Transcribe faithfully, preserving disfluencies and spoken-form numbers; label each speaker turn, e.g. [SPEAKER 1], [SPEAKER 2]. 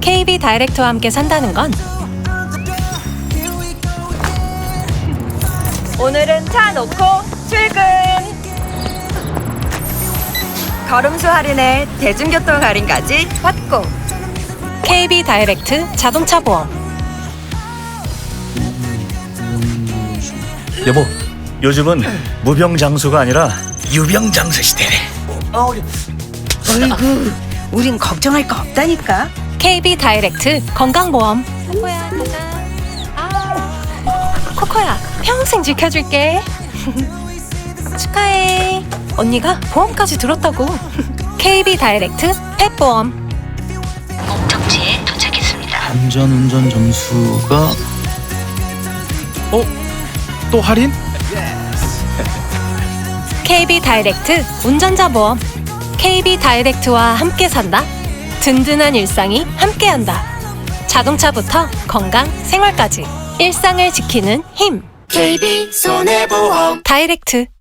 [SPEAKER 1] 케이비 다이렉트와 함께 산다는 건
[SPEAKER 2] 오늘은 차 놓고 출근. 걸음수 할인에 대중교통 할인까지 받고.
[SPEAKER 1] 케이비 다이렉트 자동차 보험.
[SPEAKER 3] 여보, 요즘은 무병장수가 아니라 유병장수 시대래.
[SPEAKER 4] 어이구, 우린 걱정할 거 없다니까.
[SPEAKER 1] 케이비 다이렉트 건강보험. 코코야, 가자. 아, 코코야, 평생 지켜줄게. 축하해. 언니가 보험까지 들었다고. 케이비 다이렉트 펫보험.
[SPEAKER 4] 목적지에 도착했습니다.
[SPEAKER 5] 안전운전 점수가 어? 또 할인?
[SPEAKER 1] 케이비 다이렉트 운전자 보험. 케이비 다이렉트와 함께 산다. 든든한 일상이 함께한다. 자동차부터 건강, 생활까지 일상을 지키는 힘.
[SPEAKER 4] 케이비 손해보험.
[SPEAKER 1] 다이렉트.